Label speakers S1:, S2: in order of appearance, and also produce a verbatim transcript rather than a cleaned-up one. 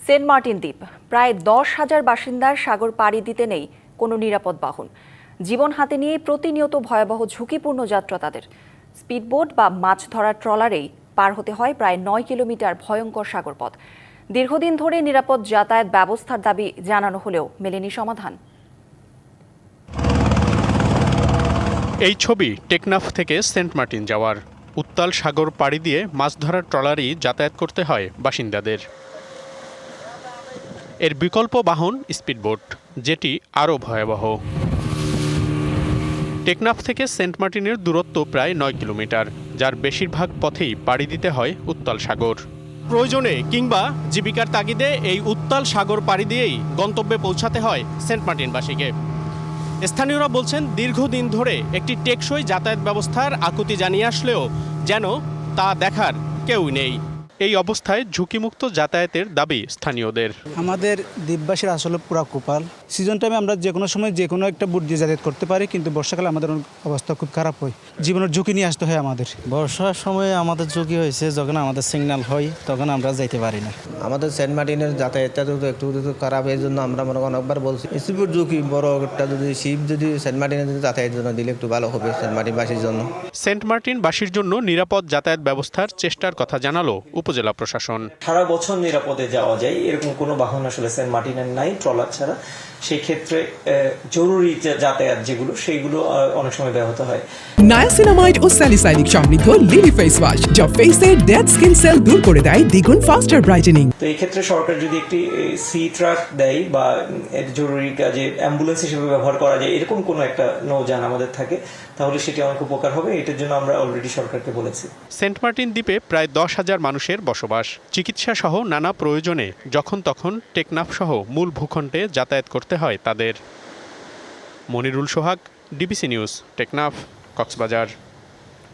S1: Saint Martin দ্বীপ প্রায় দশ হাজার বাসিন্দার সাগর পাড়ি দিতে নেই কোনো নিরাপদ বাহন। জীবন হাতে নিয়ে প্রতিনিয়ত ভয়াবহ ঝুঁকিপূর্ণ যাত্রা তাদের। স্পিডবোট বা মাছ ধরার ট্রলারেই পার হতে হয় প্রায় নয় কিলোমিটার ভয়ঙ্কর সাগরপথ। দীর্ঘদিন ধরে নিরাপদ যাতায়াত ব্যবস্থার দাবি জানানো হলেও মেলেনি সমাধান।
S2: এই ছবি টেকনাফ থেকে সেন্ট মার্টিন যাওয়ার। উত্তাল সাগর পাড়ি দিয়ে মাছ ধরার ট্রলারই যাতায়াত করতে হয় বাসিন্দাদের। এর বিকল্প বাহন স্পিডবোট, যেটি আরও ভয়াবহ। টেকনাফ থেকে সেন্ট মার্টিনের দূরত্ব প্রায় নয় কিলোমিটার, যার বেশিরভাগ পথেই পাড়ি দিতে হয় উত্তাল সাগর। প্রয়োজনে কিংবা জীবিকার তাগিদে এই উত্তাল সাগর পাড়ি দিয়েই গন্তব্যে পৌঁছাতে হয় সেন্ট মার্টিনবাসীকে। স্থানীয়রা বলছেন, দীর্ঘদিন ধরে একটি টেকসই যাতায়াত ব্যবস্থার আকুতি জানিয়ে আসলেও যেন তা দেখার কেউ নেই। এই অবস্থায় ঝুঁকিমুক্ত যাতায়াতের দাবি স্থানীয়দের।
S3: আমাদের দ্বীপবাসীর আসলে পুরা কোপাল। সিজন টাইমে আমরা যে কোনো সময় যে কোনো একটা বুট দিয়ে যাতায়াত করতে পারি, কিন্তু বর্ষাকালে আমাদের অবস্থা খুব খারাপ হয়। জীবনের ঝুঁকি নিয়ে আসতে হয় আমাদের।
S4: বর্ষার সময় আমাদের ঝুঁকি হয়েছে, যখন আমাদের সিগন্যাল হয় তখন আমরা যাইতে পারি না।
S5: আমাদের সেন্ট মার্টিনের যাতায়াতটা তো একটু খারাপ, এই জন্য আমরা মনে অনেকবার বলছি স্পিড ঝুঁকি বড় একটা যদি শিপ যদি সেন্ট মার্টিনের যাতায়াতের জন্য দিলে একটু ভালো হবে সেন্ট মার্টিনবাসীর জন্য।
S2: সেন্ট মার্টিনবাসীর জন্য নিরাপদ যাতায়াত ব্যবস্থার চেষ্টার কথা জানালো উপজেলা প্রশাসন।
S6: সারা বছর নিরাপদে যাওয়া যায় এরকম কোনো বাহন আসলে সেন্ট মার্টিনের নাই, ট্রলার ছাড়া। সেই ক্ষেত্রে জরুরি যাতায়াত যেগুলো সেইগুলো অনেক সময় ব্যাহত হয়।
S7: নায়াসিনামাইড ও স্যালিসাইলিক সমৃদ্ধ লিলি ফেস ওয়াশ, যা ফেসের ডেড স্কিন সেল দূর করে দেয় দ্বিগুণ ফাস্টার ব্রাইটেনিং।
S6: তো এই ক্ষেত্রে সরকার যদি একটি সি ট্রাক দেয় বা জরুরি কাজে অ্যাম্বুলেন্স হিসেবে ব্যবহার করা যায় এরকম কোনো একটা নৌযান আমাদের থাকে, তাহলে সেটি অনেক উপকার হবে। এটার জন্য আমরা অলরেডি সরকারকে বলেছি।
S2: সেন্ট মার্টিন দ্বীপে প্রায় দশ হাজার মানুষের বসবাস। চিকিৎসা সহ নানা প্রয়োজনে যখন তখন টেকনাফ সহ মূল ভূখণ্ডে যাতায়াত করতে হয় তাদের। Manirul Sohag, DBC news, Teknaf, Cox's Bazar.